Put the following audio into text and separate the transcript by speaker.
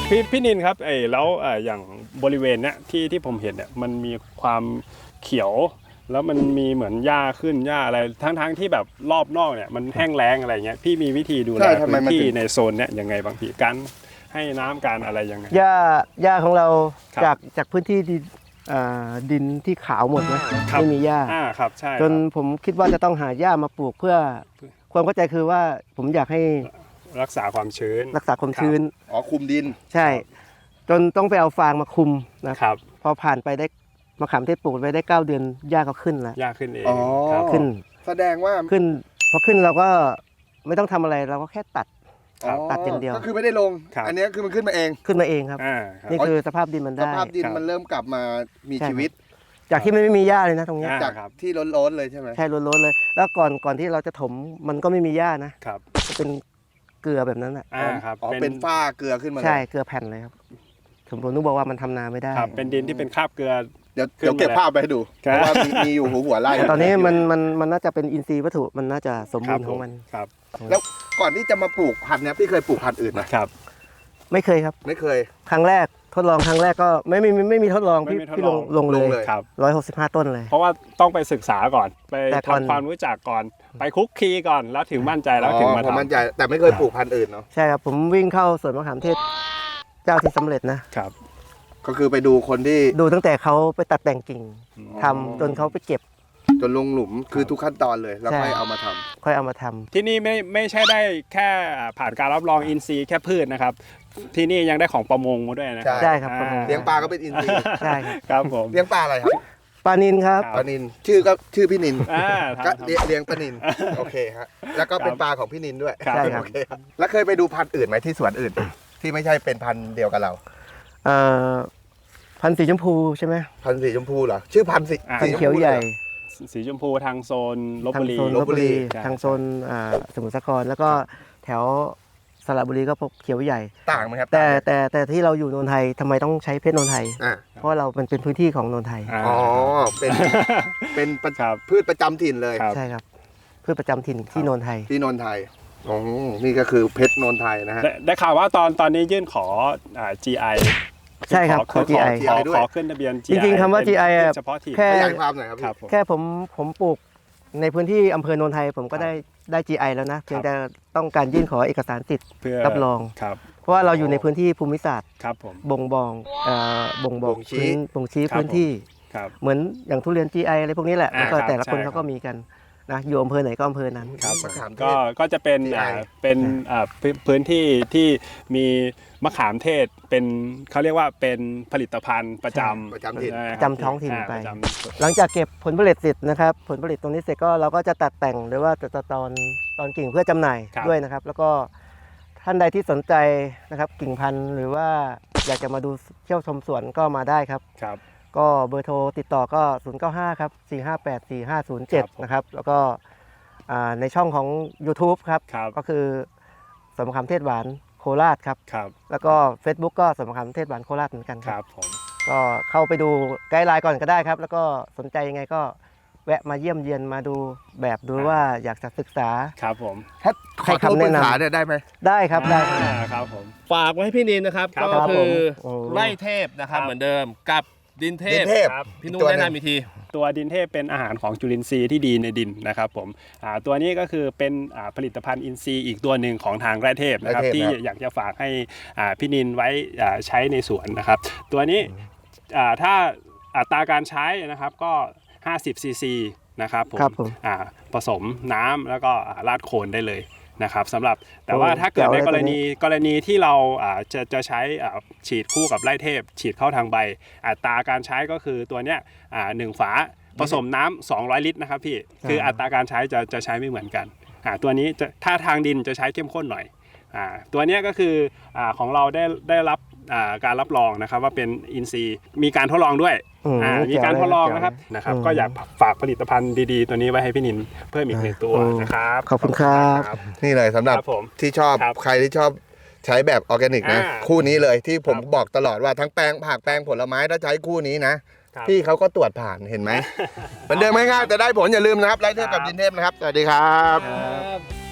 Speaker 1: พี่นินครับแล้วอย่างบริเวณเนี้ยที่ผมเห็นเนี่ยมันมีความเขียวแล้วมันมีเหมือนหญ้าขึ้นหญ้าอะไรทั้งที่แบบรอบนอกเนี่ยมันแห้งแล้งอะไรเงี้ยพี่มีวิธีดูแลพื้นที่ในโซนเนี้ยยังไงบางทีการให้น้ำการอะไรยังไง
Speaker 2: หญ้าของเราจากพื้นที่ดินที่ขาวหมดนะไม่มีหญ้า
Speaker 1: ครับใช่
Speaker 2: จนผมคิดว่าจะต้องหาหญ้ามาปลูกเพื่อความเข้าใจคือว่าผมอยากให้
Speaker 1: รักษาความชื้น
Speaker 2: คุมดินใช่จนต้องไปเอาฟางมาคุมนะครับพอผ่านไปได้มะขามเทศปลูกไปได้9 เดือนหญ้าก็ขึ้นแล้ว
Speaker 1: หญ้าขึ้นเอง
Speaker 2: ขึ้น
Speaker 3: แสดงว่า
Speaker 2: ขึ้นพอขึ้นเราก็ไม่ต้องทำอะไรเราก็แค่ตัดอย่างเดียว
Speaker 3: ก็คือไม่ได้ลงอันนี้คือมันขึ้นมาเอง
Speaker 2: ครับนี่คือสภาพดินมันได้
Speaker 3: สภาพดินมันเริ่มกลับมามีชีวิต
Speaker 2: จากที่ไม่มีหญ้าเลยนะตรงนี้
Speaker 3: จากที่ล้นๆเลยใช่ไหม
Speaker 2: ใช่ล้นๆเลยแล้วก่อนที่เราจะถมมันก็ไม่มีหญ้านะครับเป็นเกลือแบบนั้น
Speaker 3: ครับเป็นฝ้าเกลือขึ้นมา
Speaker 2: ใช่เกลือแผ่นเลยครับผมนึกบอกว่ามันทำนาไม่ได้
Speaker 1: ครับเป็นดินที่เป็นคราบเกลือ
Speaker 3: เดี๋ยวเก็บภาพไปให้ดูเพราะว่ามีอยู่หัวไร่
Speaker 2: ตอนนี้มันน่าจะเป็นอินทรีย์วัตถุมันน่าจะสมบูรณ์ของมัน
Speaker 1: ครับ
Speaker 3: แล้วก่อนที่จะมาปลูกพันธุ์นี้พี่เคยปลูกพันธุ์อื่นไหม
Speaker 1: ครับ
Speaker 2: ไม่เคยครับ
Speaker 3: ไม่เคย
Speaker 2: ครั้งแรกทดลองครั้งแรกก็ไม่มีทดลองพี่ลงเลย
Speaker 1: ครับ
Speaker 2: 165 ต้นเลย
Speaker 1: เพราะว่าต้องไปศึกษาก่อนไปทำความรู้จักก่อนไปคุกคีก่อนแล้วถึงมั่นใจแล้วถึงมาทำ
Speaker 3: มั่นใจแต่ไม่เคยปลูกพันธุ์อื่นเนาะ
Speaker 2: ใช่ครับผมวิ่งเข้าสวนมะขามเทศเจ้าที่สำเร็จนะครับ
Speaker 3: ก็คือไปดูคนที่
Speaker 2: ดูตั้งแต่เขาไปตัดแต่งกิ่งทำจนเขาไปเก็บ
Speaker 3: จนลงหลุมคือทุกขั้นตอนเลยแล้วค่อยเอามาทำ
Speaker 1: ที่นี่ไม่ใช่ได้แค่ผ่านการรับรองอินทรีย์แค่พืชนะครับที่นี่ยังได้ของประมงมาด้วยนะ
Speaker 2: ใช่ครับ
Speaker 3: เลี้ยงปลาก็เป็นอินทรีย์
Speaker 2: ใช่
Speaker 1: ครับผม
Speaker 3: เลี้ยงปลาอะไรครับ
Speaker 2: ปลานิลครับ
Speaker 3: ปลานิลชื่อพี่นินก็เลี้ยงปลานิลโอเคฮะแล้วก็เป็นปลาของพี่นินด้วย
Speaker 2: ใช่ครับ
Speaker 3: แล้วเคยไปดูพันธุ์อื่นไหมที่สวนอื่นที่ไม่ใช่เป็นพันธุ์เดียวกับเรา
Speaker 2: พันธุ์สีชมพูใช่ไหม
Speaker 3: พันธุ์สีชมพูเหรอชื่อพันธุ์
Speaker 2: สีเขียวใหญ่
Speaker 1: สีชมพูทางโซนลพบุ
Speaker 2: รีทางโซนสมุทรสาครแล้วก็แถวสระบุรีก็พวกเขียวใหญ่
Speaker 3: ต่างไหมครับ
Speaker 2: แต่ที่เราอยู่นนทไทยทำไมต้องใช้เพชรนนทไทยเพราะเราเป็นพื้นที่ของนนทไทย
Speaker 3: เป็นพืชประจำถิ่นเลย
Speaker 2: ใช่ครับพืชประจำถิ่นที่นนทไทย
Speaker 3: นี่ก็คือเพชรนนทไทยนะฮะ
Speaker 1: ได้ข่าวว่าตอนนี้ยื่นขอGI
Speaker 2: ใช่ครับขอ GI
Speaker 1: ขอขึ้นทะเบียน
Speaker 2: GI จริงๆคำว่า GI แค่
Speaker 3: ความหน่อยครับ
Speaker 2: แค่ผมปลูกในพื้นที่อำเภอโนนไทยผมก็ได้ GI แล้วนะเพียงแต่ต้องการยื่นขอเอกสารสิทธิ์รับรองเพราะว่าเราอยู่ในพื้นที่ภูมิศาสตร์บ่งบอกชี้พื้นที่เหมือนอย่างทุเรียน GI อะไรพวกนี้แหละแล้วก็แต่ละคนเขาก็มีกันนะอยู่อำเภอไหนก็อำเภอนั้น
Speaker 1: ก็จะเป็นพื้นที่ที่มีมะขามเทศเป็นเขาเรียกว่าเป็นผลิตภัณฑ์ประจ
Speaker 2: ำท้องถิ่นไปหลังจากเก็บผลผลิตเสร็จนะครับผลผลิตตรงนี้เสร็จก็เราก็จะตัดแต่งหรือว่าจะตอนกิ่งเพื่อจำหน่ายด้วยนะครับแล้วก็ท่านใดที่สนใจนะครับกิ่งพันธุ์หรือว่าอยากจะมาดูเที่ยวชมสวนก็มาได้ครับก็เบอร์โทรติดต่อก็095ครับ4584507นะครับแล้วก็ในช่องของ YouTube ครับก็คือสวนมะขามเทศหวานโคราชครับแล้วก็ Facebook ก็สวนมะขามเทศหวานโคราชเหมือนกันครับผมก็เข้าไปดูไกด์ไลน์ก่อนก็ได้ครับแล้วก็สนใจยังไงก็แวะมาเยี่ยมเยียนมาดูแบบดูว่าอยากจะศึกษา
Speaker 1: ครับผม
Speaker 3: ถ้าขอคำแนะนำได้ไหม
Speaker 2: ได้ครับได้
Speaker 1: ครับผม
Speaker 4: ฝากไว้ให้พี่นินนะครับก็คือไร่เทพนะครับเหมือนเดิมกับดินเทพพี่นุ่นแนะนำอีกที
Speaker 1: ตัวดินเทพเป็นอาหารของจุลินทรีย์ที่ดีในดินนะครับผมตัวนี้ก็คือเป็นผลิตภัณฑ์อินทรีย์อีกตัวหนึ่งของทางไร่เทพนะครับที่อยากจะฝากให้พี่นินไว้ใช้ในสวนนะครับตัวนี้ถ้าอัตราการใช้นะครับก็50 ซีซีนะครับผมผสมน้ำแล้วก็ราดโคนได้เลยนะครับสำหรับแต่ว่าถ้าเกิดในกรณีที่เราจะใช้ฉีดคู่กับไร่เทพฉีดเข้าทางใบอัตราการใช้ก็คือตัวเนี้ย1 ฝาผสมน้ำ200 ลิตรนะครับพี่คืออัตราการใช้จะใช้ไม่เหมือนกันตัวนี้ถ้าทางดินจะใช้เข้มข้นหน่อยตัวนี้ก็คือของเราได้รับการรับรองนะครับว่าเป็นอินทรีย์มีการทดลองด้วยมีการทดลองนะครับก็อยากฝากผลิตภัณฑ์ดีๆตัวนี้ไว้ให้พี่นินเพิ่มอีก1 ตัวนะครับ
Speaker 2: ขอบคุณครับ
Speaker 3: นี่เลยสำหรับที่ชอบใครที่ชอบใช้แบบออร์แกนิกนะคู่นี้เลยที่ผมบอกตลอดว่าทั้งแปลงผักแปลงผลไม้ถ้าใช้คู่นี้นะพี่เขาก็ตรวจผ่านเห็นไหมเหมือนเดิมง่ายๆแต่ได้ผลอย่าลืมนะครับไร่เทพกับดินเทพนะครับสวัสดีครับ